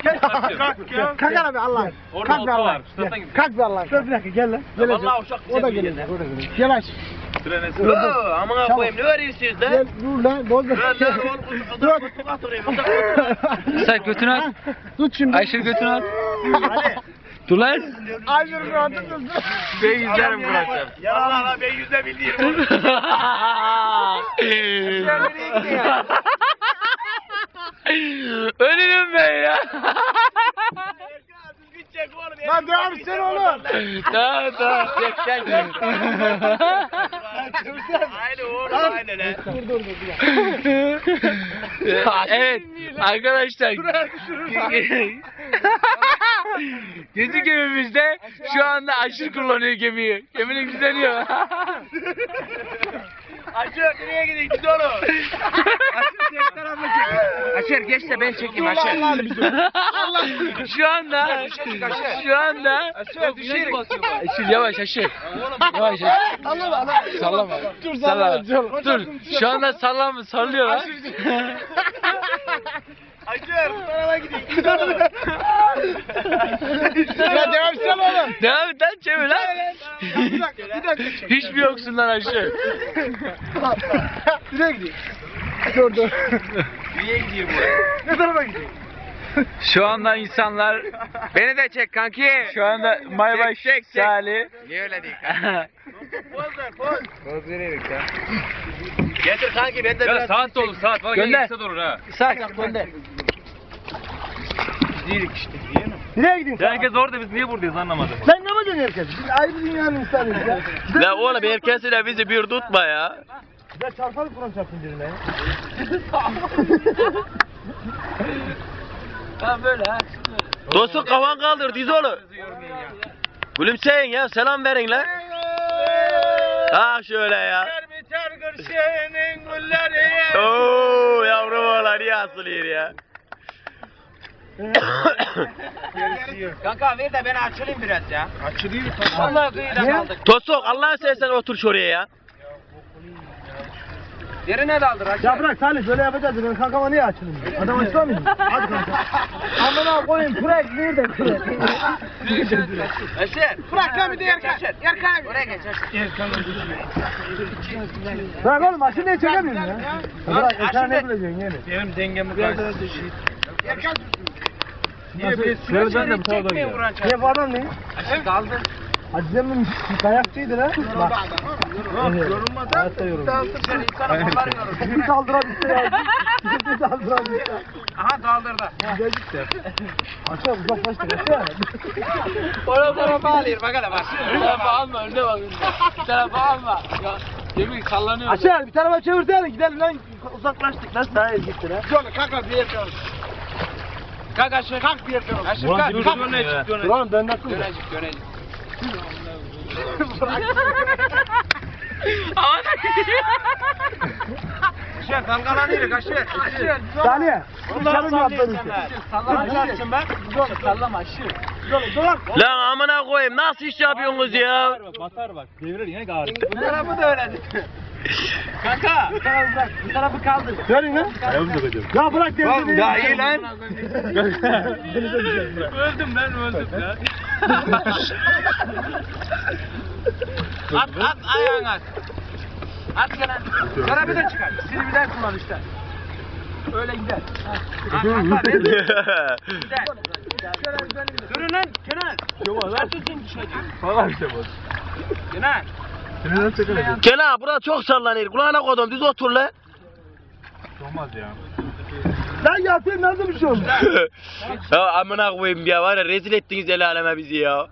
Kalk abi Allah. Kalk be Allah. Kalk be Allah. Dur bir dakika gel lan. Vallahi uşak O da gelecek. O da gelecek. Yavaş. Aman koyayım ne veriyorsunuz da? Gel dur lan. Bozma. Dur. Sen götünü al. Tut şimdi. Ayşe götünü al. Dur lan. Ayşe bir anda tut. Ben yüzlerim bırakacağım. Vallahi ben yüzde bildiğim. Ölürüm ben ya. Lan devam etsene oğlum. Tamam. Gel. Aynen oğlum aynen he. Dur. Evet arkadaşlar. Gezi gemimizde şu anda aşırı kullanıyor gemiyi. Geminin düzeniyor. Aşır nereye gidiyorsun git oğlum. Aşır tek tarafına çek. Aşır geç de ben çekeyim Aşır. Şu anda Aşır yavaş Aşır. Yavaş. Sallama. Dur. Şu anda sallıyor lan. Aşır bu tarafa gidiyor. Git oğlum. Ya devam etsene oğlum. Devam et lan çevir lan. Bir dakika çek. Hiç mi yoksun lan Aşır? Nereye gidiyor? Dur. Nereye gidiyor bu? Ne tarafa gidiyor? Şu anda insanlar Beni de çek kanki. şu anda Maybaş Çek. Salih. Niye öyle değil kanki? Poz veriyoruz ya. Getir kanki ben de Ya biraz saat de olur saat. Valla Gönder. gel kısa da olur ha. Saat gönder. Nereye gidiyorsun? Ya herkes orada biz niye buradayız anlamadım. Sen ne yapacaksın herkes? Biz ayrı dünyanın insanıyız ya. La oğlum herkesiyle bizi bir tutma ya. Güzel çarparız Kur'an çarpsın birine ya. Tamam böyle ha. Dostum kafan kaldır diz oğlum. Gülümseyin ya selam verin la. Ha şöyle ya. Oo yavrum oğlan iyi asılıyor ya. Kanka ver de ben açılayım biraz ya. Açılıyor. Vallahi kıyıda kaldık. Tosok Allah'ın seversen otur şuraya ya. Yerine daldır açı. Ya bırak Salih böyle yapacağız. Ben kankama niye açılayım? Adam açılamıyor mu? Hadi kanka. Amına koyayım kürek nerede kürek? Aşır. Bırak lan bir de Erkan. Erkan. Oraya geç Aşır. Bırak oğlum aşırı niye çekemiyorsun ya? Bırak Erkan'ı ne bileceksin yani? Benim dengemi kaçtı. Niye Şöyle ben de bu tarafa Çekmeyin gidiyorum. Kur'an çarpsın. Niye bu adam ne? Aşır kaldır. Hacı'nın kayakçıydı lan. Bak. Yorulmadan. Hayatta yorulmadan. Sen insana kollar yorulur. Bizi saldırabilse ya. Bizi saldırabilse. Aha daldırdı. Güzel gitti. Aşağı uzaklaştık aşağı. Onu tarafa alıyor bak hele bak. Tarafa alma önüne bak. Tarafa alma. Ya gemi sallanıyor. Aşağı bir tarafa çevirsene gidelim lan. Uzaklaştık lan sahaya gitti lan. Şöyle kalk bir yer kalk. Kalk Aşır. Kalk bir yer kalk. Aşır Ulan kalk. dur, Kalk. dur, ne çıktı, Dönecek. Ulan ben nasıl? Dönecek. Aşır dalgalanıyor Aşır. Salih. Dışarı mı yaptın? Sallamayacaksın bak. Sallama Aşır. Lan amına koyayım nasıl iş yapıyorsunuz ya? Batar bak. Devirir yine ağrı. Bu tarafı da öyle. Kanka. Bu tarafı kaldır. Verin lan. Ayağımı takacağım. Ya bırak devrini. Ya iyi lan. Öldüm ya. At ayağını at. At Kenan. Tarafı da çıkar. Silividen kullan işte. Öyle gider. Durun lan Kenan. Sen tutun düşecek. Falan işte bu. Kenan. Kenan burada çok sallanıyor. Kulağına koydum düz otur la. Olmaz ya. Lan yatayım nasıl bir şey oldu? Ya amına koyayım ya var ya rezil ettiniz el aleme bizi ya.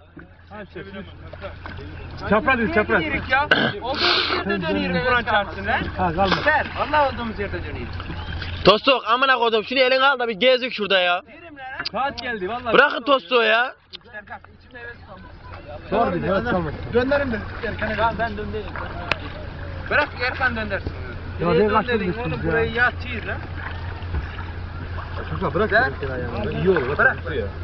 Çapraz değil çapraz. Dönüyoruz ya. Olduğumuz yerde dönüyoruz Kur'an çarpsın lan. Ha kalma. Ser. Vallahi olduğumuz yerde dönüyoruz. Tostok amına koydum şunu eline al da bir gezdik şurada ya. Yerim lan. Saat geldi vallahi. Bırakın tostu ya. Serkan içimde heves kaldı. Sor bir de evet kalma. Gönderin de. Ben döndüreyim. Bırak Erkan döndersin. Ya Niye ne kaçtın döndüreyim üstünüz oğlum ya? burayı yatıyor lan. Kanka bırak. İyi olur. Bırak.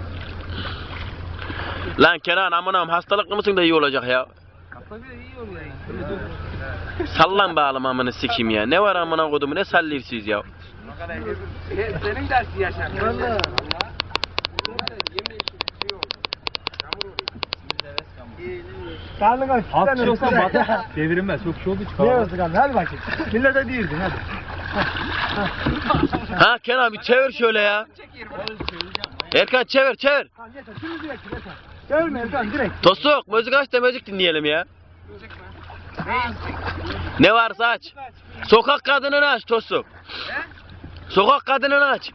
Lan Kenan amınam hastalıklı mısın da iyi olacak ya. Tabii iyi oluyor. Sallan bağlım amını sikeyim ya. Ne var amına kodumu ne sallıyorsunuz ya. Senin dersi yaşar. Valla. Karnın aç. Az kişi olsan batır. Devirilmez. Çok kişi olduğu için Ne kalmaz. olsun karnın? Hadi bakayım. Millete değildin hadi. Ha Kenan bir çevir şöyle ya. Erkan çevir çevir. Tamam yeter. Şimdi direkt yeter. Görme Erkan direkt. Tosuk müzik aç da müzik dinleyelim ya. Ne varsa aç. Sokak kadınını aç Tosuk. Sokak kadınını aç.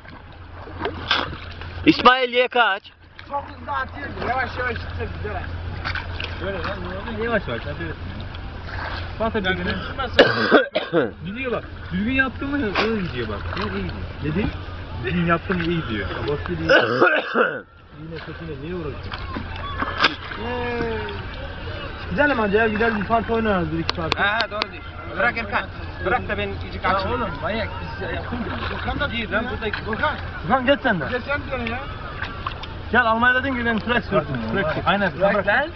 İsmail YK aç. Çok hızlı atıyor. Yavaş yavaş gitsin güzel. Yavaş yavaş. Hadi öyle. Batır düzgün. Gidiyor bak. Düzgün yaptın mı öyle gidiyor bak. İyi gidiyor. Dedi? Düzgün yaptın mı iyi gidiyor. Boş değil. Yine kötüne niye uğraşıyorsun? Gidelim hadi ya. Gidelim bir parti oynarız bir iki parti. Ha doğru diyor. Bırak Erkan. Bırak da ben iyice kaçayım. Oğlum manyak biz yaptın mı? Volkan da değil lan buradaki. Volkan. Volkan geç sen de. Sen diyorsun ya. Gel Almanya dedin ki ben Trax sürdüm. Aynen. Bırak lan.